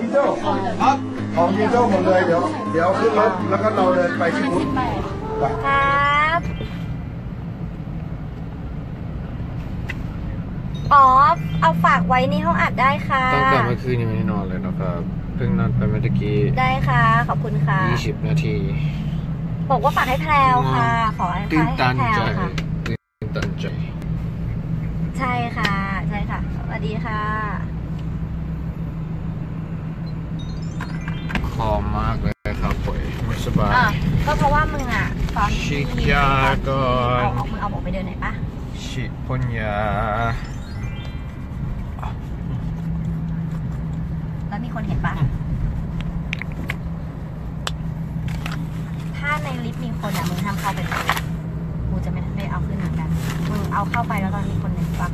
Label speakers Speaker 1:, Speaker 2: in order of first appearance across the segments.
Speaker 1: เซลครับของดีเซลหมดเลยเดี๋ยวขึ้นรถแล้วก็เราเดินไปที่บูธ
Speaker 2: ครับอ๋อเอาฝากไว้ในห้องอัดได้ค่ะ
Speaker 3: ตั้งแต่เมื่อคืนยังไม่ได้นอนเลยนะครับเพิ่งนอนไปเมื่อกี้
Speaker 2: ได้ค่ะขอบคุณค่ะ
Speaker 3: 20 นาที
Speaker 2: บอกว่าฝากให้แพรวค่ะขอให้แพรวค่ะ
Speaker 3: ตื่นตันใจ
Speaker 2: ใช่ค่ะใช่ค่ะสวัสดีค่ะ
Speaker 3: คอมากเลยครับป่วยไม่สบาย
Speaker 2: ก็เพราะว่ามึงอ่ะตอน
Speaker 3: ฉีดยาก่อน
Speaker 2: มึงเอาบอกไปเดินไหนปะ
Speaker 3: ฉีดพ่นยา
Speaker 2: แล้วมีคนเห็นปะถ้าในลิฟต์มีคนอ่ะมึงห้ามเข้าไปเลยกูจะไม่เอาขึ้นเหมือนกันมึงเอาเข้าไปแล้วตอนมีคนเห็นปะ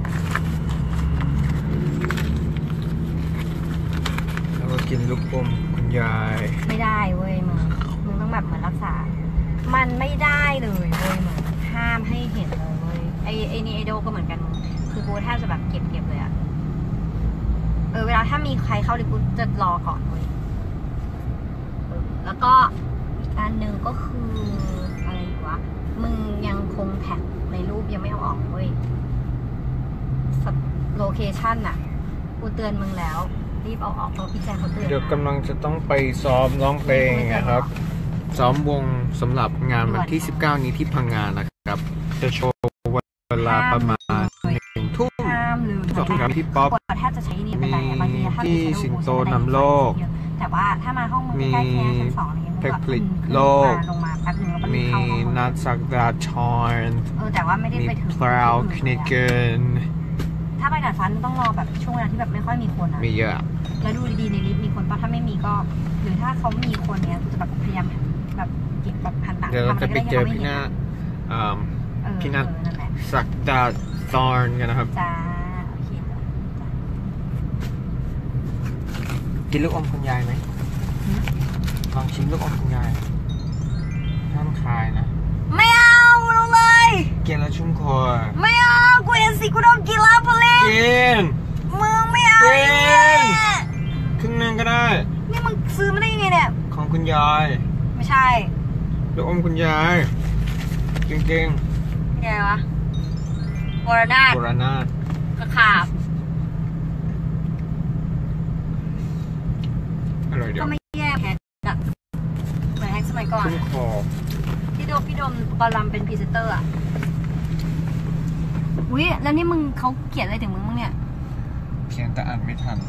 Speaker 3: แล้วก็กินลูกอมคุณยาย
Speaker 2: ไม่ได้เว้ยมึงต้องแบบเหมือนรักษามันไม่ได้เลยเว้ยมึงห้ามให้เห็นเลยเว้ยไอ้นี่ไอโดก็เหมือนกันคือกูแทบจะแบบเก็บเลยอะเวลาถ้ามีใครเข้าลิฟต์กูจะรอก่อนเว้ยแล้วก็อีกอันหนึ่งก็คืออะไรวะมึงยังคงแท็กในรูปยังไม่เอาออกเว้ยโลเคชั่นอะกูเตือนมึงแล้วรีบเอาออกเพราะพี่แจงเขาเตือน
Speaker 3: เดี๋ยวกำลังจะต้องไปซ้อมร้องเพลงนะครับซ้อมวงสำหรับงานวันที่19นี้ที่พังงานนะครับจะโชว์เวลาประมาณ1 ทุ่ม2 ทุ่มครับพี่ป๊อปมีที่สิงโตนำโลก
Speaker 2: แต่ว่าถ้ามาห้องมึงใกล้แค่ชั้น2อะไรเงี้ย
Speaker 3: เพกผลิตโลก
Speaker 2: ลงมาแป๊บนึงแล้วก็
Speaker 3: มีนัทสักดาชอน
Speaker 2: แต่ว่าไม่ได้ไปถึง
Speaker 3: พราวคนิเกน
Speaker 2: ถ้าไปดาดฟ้าต้องรอแบบช่วงเวลาที่แบบไม่ค่อยมีคน
Speaker 3: มีเยอะ
Speaker 2: แล้วดูดีๆในลิฟต์มีคนป่ะถ้าไม่มีก็หรือถ้าเขามีคนเนี้ยกูจะแบบพยายามแบบเก็บแบบพันต่าง
Speaker 3: เดี๋ยวเราจะไปเจอพี่นาสักดาซอนกันนะครับ
Speaker 2: จ้าโอเค
Speaker 3: กินลูกอมคุณยายไหมลองชิมลูกอมคุณยายห้ามคายนะ
Speaker 2: ไม่เอาเลย
Speaker 3: กินแล้วชุ่มคอ
Speaker 2: ไม่เอากูเห็นสิกูต้องกินแล้วพอเลย
Speaker 3: กิน
Speaker 2: มึงไม่เอา
Speaker 3: กินครึ่งนึงก็ได้
Speaker 2: นี่มึงซื้อมาได้ยังไงเนี่ย
Speaker 3: ของคุณยาย
Speaker 2: ไม่ใช่
Speaker 3: ลูกอมคุณยายจริง
Speaker 2: ๆไงวะวรนาถกระขาบ
Speaker 3: อร่อยเดียว
Speaker 2: ก็ไม่แย่แฮกแบบเหมือนแฮกสมัยก่อนพี่โดมบอลลัมเป็นพรีเซนเตอร์อ่ะอุ้ยแล้วนี่มึงเขาเขียนอะไรถึงมึงเนี่ย
Speaker 3: เขียนแต่อ่านไม่ทัน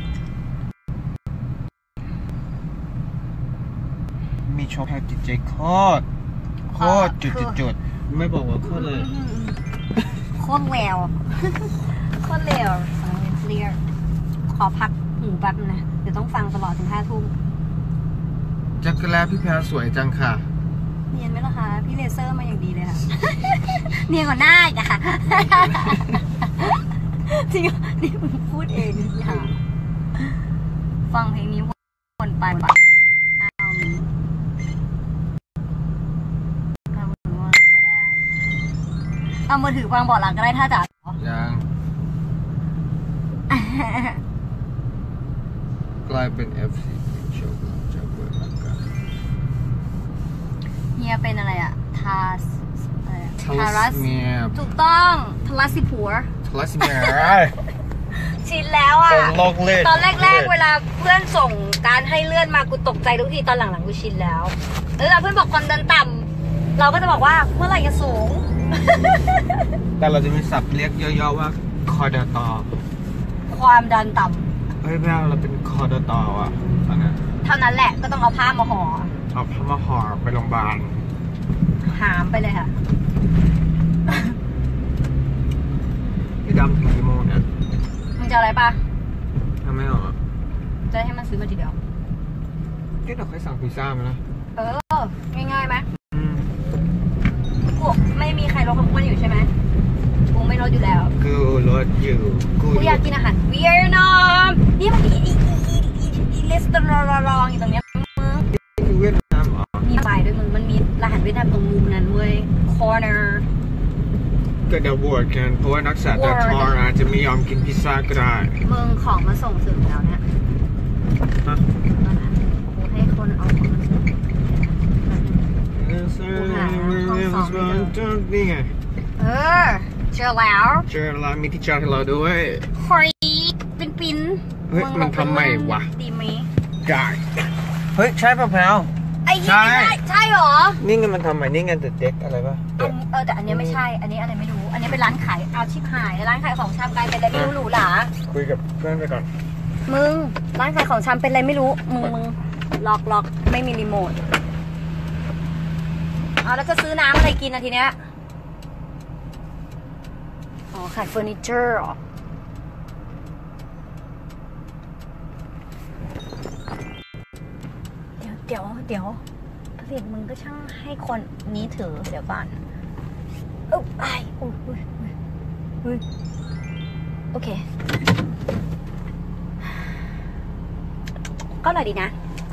Speaker 3: มีโชว์แพทจิตใจโคตรจุดไม่บอกว่าโคตรเลย
Speaker 2: โคตรแล้วโคตรแล้วเคลียร์ขอพักหูแป๊บนะเดี๋ยวต้องฟังตลอดถึง5 ทุ่ม
Speaker 3: จักรแล้พี่แพรสวยจังค่ะ
Speaker 2: เนียนไหมล่ะคะพี่เลเซอร์มาอย่างดีเลยค่ะเนียนกว่าหน้าอีกค่ะจริงนี่มึงพูดเองค่ะฟังเพลงนี้วนไปปะเอามือถือวางเบาะหลังก็ได้ถ้าจ๋า
Speaker 3: ยังกลายเป็น FC โชว์จากเปิดร่างกาย
Speaker 2: เฮียเป็นอะไรอะทารัสถูกต้องทารัสสิผัวชินแล้วอะตอนแรกๆเวลาเพื่อนส่งการให้เลื่อนมากูตกใจทุกทีตอนหลังๆกูชินแล้วเพื่อนบอกความดันต่ำเราก็จะบอกว่าเมื่อไหร่จะสูง
Speaker 3: แต่เราจะมีศัพท์เรียกย่อๆว่าคอร์ดตอ
Speaker 2: ความดันต่
Speaker 3: ำเฮ้ยแม่เราเป็นคอร์ดตออ่ะตอนนั้น
Speaker 2: เท่านั้นแหละก็ต้องเอาผ้ามาห่อ
Speaker 3: ไปโรงพยาบาล
Speaker 2: หามไปเลยค่ะ
Speaker 3: พี่ดำถึงกี่โมงเนี่ย
Speaker 2: มึงจะอะไรปะ
Speaker 3: ทำไม่หรอ
Speaker 2: จะให้มันซื้อมาทีเดียว
Speaker 3: ก็เราเคยสั่งพิซซ่ามานะ
Speaker 2: ง่ายๆไหมไม่มีใครลดความอ้วนอยู่ใช่ไหมกูไม่ลดอยู่แล้ว
Speaker 3: กูลดอยู่
Speaker 2: กูอยากกินอาหารเวียดนามนี่มันมีอีเลสเตอรอลอยู่ตรงเนี้ย
Speaker 3: มึงเวียดนาม
Speaker 2: มีไฟด้วยมึงมันมีอาหารเวียดนามตรงมุมนั้นเว้ย corner
Speaker 3: ก็เดี๋ยวบวชกันเพราะว่านักศึกษาแต่ทออาจจะไม่ยอมกินพิซซ่าก็ได้
Speaker 2: มึงของมาส่งถึงแล้วเนี่ย
Speaker 3: นี่ไง
Speaker 2: เจอแล้ว
Speaker 3: เจอร้านมีที่จอดให้เราด้วย
Speaker 2: เฮ้ยปิน
Speaker 3: เฮ้ยมันทำไมวะ
Speaker 2: ดีไหม
Speaker 3: ได้เฮ้ยใช่ป่ะแพลว
Speaker 2: ไอ้ยี่ใช่เหรอ
Speaker 3: นี่ไงมันทำไมนี่ไงเด็กอะไรป่ะ
Speaker 2: แต่อันนี้ไม่ใช่ อันนี้อะไรไม่รู้ อันนี้เป็นร้านขายเอาชิบหายร้านขายของชำกลายเป็นอะไรไม่รู้หรูหรา
Speaker 3: คุยกับเพื่อนไปก่อน
Speaker 2: มึงร้านขายของชำเป็นอะไรไม่รู้มึงล็อกไม่มีรีโมทเอาแล้วจะซื้อน้ำอะไรกินทีเนี้ยอ๋อขายเฟอร์นิเจอร์เหรอเดี๋ยวผลิตมึงก็ช่างให้คนนี้ถือเดี๋ยวก่อนโอเคก็อร่อยดีนะ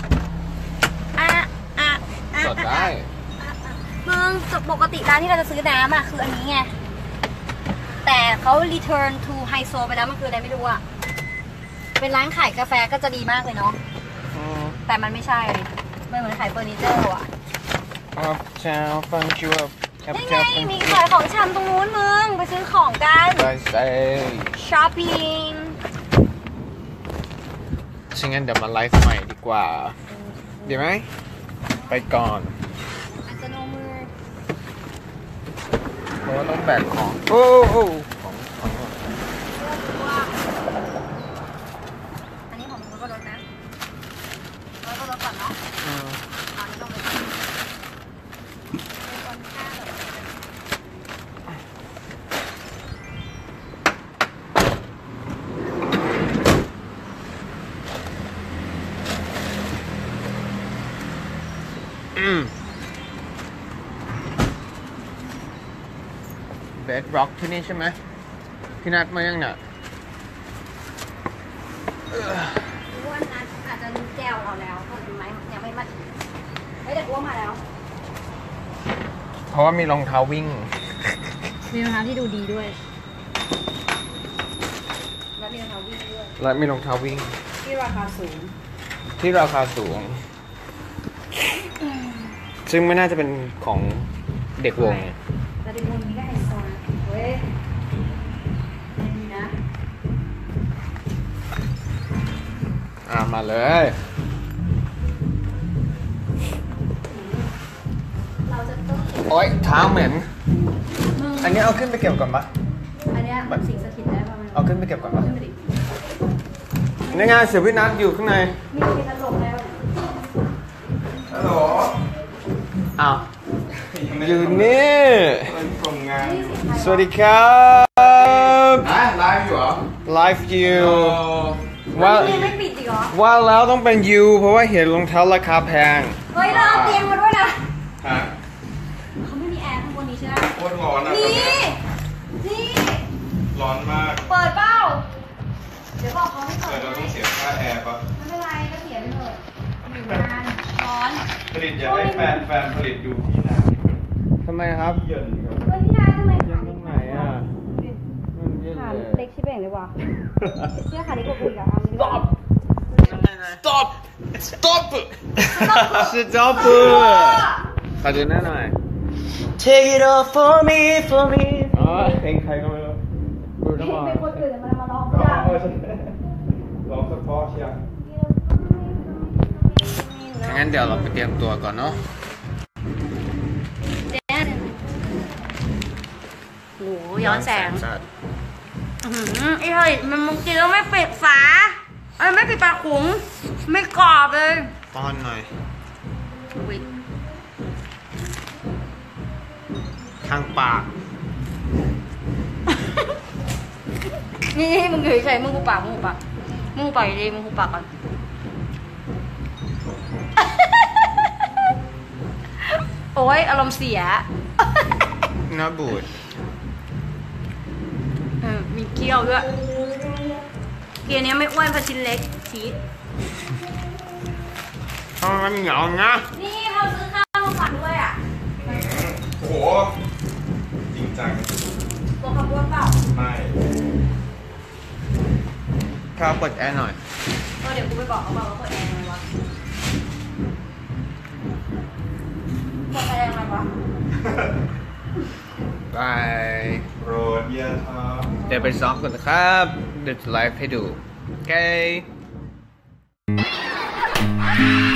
Speaker 3: สดได้
Speaker 2: มึงปกติร้านที่เราจะซื้อน้ำคืออันนี้ไงแต่เขา return to ไฮโซไปแล้วมันคืออะไรไม่รู้เป็นร้านขายกาแฟก็จะดีมากเลยเนาะแต่มันไม่ใช่มันเหมือนขายเฟอร์นิเจอร์
Speaker 3: เช้าฟังชิว
Speaker 2: นี่ไงมีขายของชำตรงนู้นมึงไปซื้อของกัน
Speaker 3: ได้
Speaker 2: ช้อปปิ้ง
Speaker 3: ซึ่งงั้นเดี๋ยวมาไลฟ์ใหม่ดีกว่าดีไหมไปก่อนเพราะว่าต้องแบกของ
Speaker 2: อันนี้ของมึงก็ลดนะแล้วก็ลดก่อนเนาะอันนี้ต้องไปคนค่า
Speaker 3: เบดร็อกที่นี่ใช่ไหมพี่นัดมายังเนี่ย
Speaker 2: ว่านัดอาจจะรู้แก้วเราแล้วก็ยังไม่มาเฮ้ยแต่ว่ามาแล้ว
Speaker 3: เพราะว่ามีรองเท้าวิ่ง
Speaker 2: มีรองเท้าที่ดูดีด้วยแล้วมีรองเท้าวิ่งด้วย
Speaker 3: และมีรองเท้าวิ่ง
Speaker 2: ที่ราคาสูง
Speaker 3: ซึ่งไม่น่าจะเป็นของเด็กวง
Speaker 2: แต่เด็กวงนี้ก็ไฮโซนะเว้ยนี่นะ
Speaker 3: มาเลย
Speaker 2: เราจะต้อง
Speaker 3: โอ๊ยเท้าเหม็นอันนี้เอาขึ้นไปเก็บก่อนปะ
Speaker 2: อันนี้สิ่งสถิตได้ป่ะ
Speaker 3: เอาขึ้นไปเก็บก่อนปะนี่ไงเสียพี่นัทอยู่ข้างใน
Speaker 2: มีพัดลมแล้ว
Speaker 1: ฮัลโหล
Speaker 3: อ้าวอยู่นี่สวัสดีครับ
Speaker 1: ไลฟ์อยู่เหรอ
Speaker 3: ไลฟ์อยู่
Speaker 2: ว่าไม่ปิดอีกเหรอ
Speaker 3: ว่าแล้วต้องเป็นยูเพราะว่าเห็นรองเท้าราคาแพง
Speaker 2: เฮ้ยเราเอาเตียงมาด้วยนะ
Speaker 1: ฮะ
Speaker 2: เขาไม่มีแอร์ข้างบนนี้ใช่ไหม
Speaker 1: โคตรร้อนอ่ะ
Speaker 2: นี่
Speaker 1: ร้อนมาก
Speaker 2: เปิดเปล่าเดี๋ยวบอกเขาไม่เปิด
Speaker 1: เราต้องเสียค่าแอร์ปะ
Speaker 2: ไม่เป็นไรก็เสียไปเลยอยู่นานร้อน
Speaker 1: ผลิตอยากให้แฟนผลิตอยู่ที่ไหน
Speaker 3: ทำไมครับ
Speaker 1: เย็นครับ
Speaker 2: ที่ไหนทำไม
Speaker 3: เย็นตรงไหน
Speaker 2: ขาเล็กชิบเองเลยว่ะเชื่อขาเล็กกว่ากูอีกอ่ะ
Speaker 3: Stop Stop ขอดูหน้าหน่อย
Speaker 4: Take it off for me
Speaker 3: เพลงใครก็ไม่รู้ดูน้ำมัน
Speaker 2: เป็นคนอื่นแต่มันมาร้อง
Speaker 1: ร้องเฉพาะเชียง
Speaker 3: งั้นเดี๋ยวเราไปเตรียมตัวก่อนเนาะ
Speaker 2: โหย้อนแสงไอ้เฮ้ยมันมึงกินแล้วไม่ปิดฝาไม่ปิดปากขุงไม่กรอบเลย
Speaker 3: ป้อนหน่อยทางปาก
Speaker 2: นี่มึงเฉยๆมึงหูปากดีมึงหูปากก่อนโอ้ยอารมณ์เสีย
Speaker 3: น่าบูด
Speaker 2: มีเคี้ยวด้วยเกียร์นี้ไม่อ้วนเพราะชิ้นเล็กชีส
Speaker 3: มันเหนียวนะ
Speaker 2: นี่เขาซื้อข้าวมาฝากด้วยอ่ะ
Speaker 1: โอ้โหจริงจัง
Speaker 2: ตัวขับรถเปล่า
Speaker 1: ไม่
Speaker 3: ข้าวเปิดแอร์หน่อย
Speaker 2: ก็เดี๋ยวกูไปบอกเขาว่าเปิดแอร์ไงวะเปิดแอร์ไงวะ
Speaker 3: บาย
Speaker 1: โปรดอย่าทำ
Speaker 3: เดี๋ยวไปซ้อมกันนะครับเดี๋ยวจะไลฟ์ให้ดู โอเค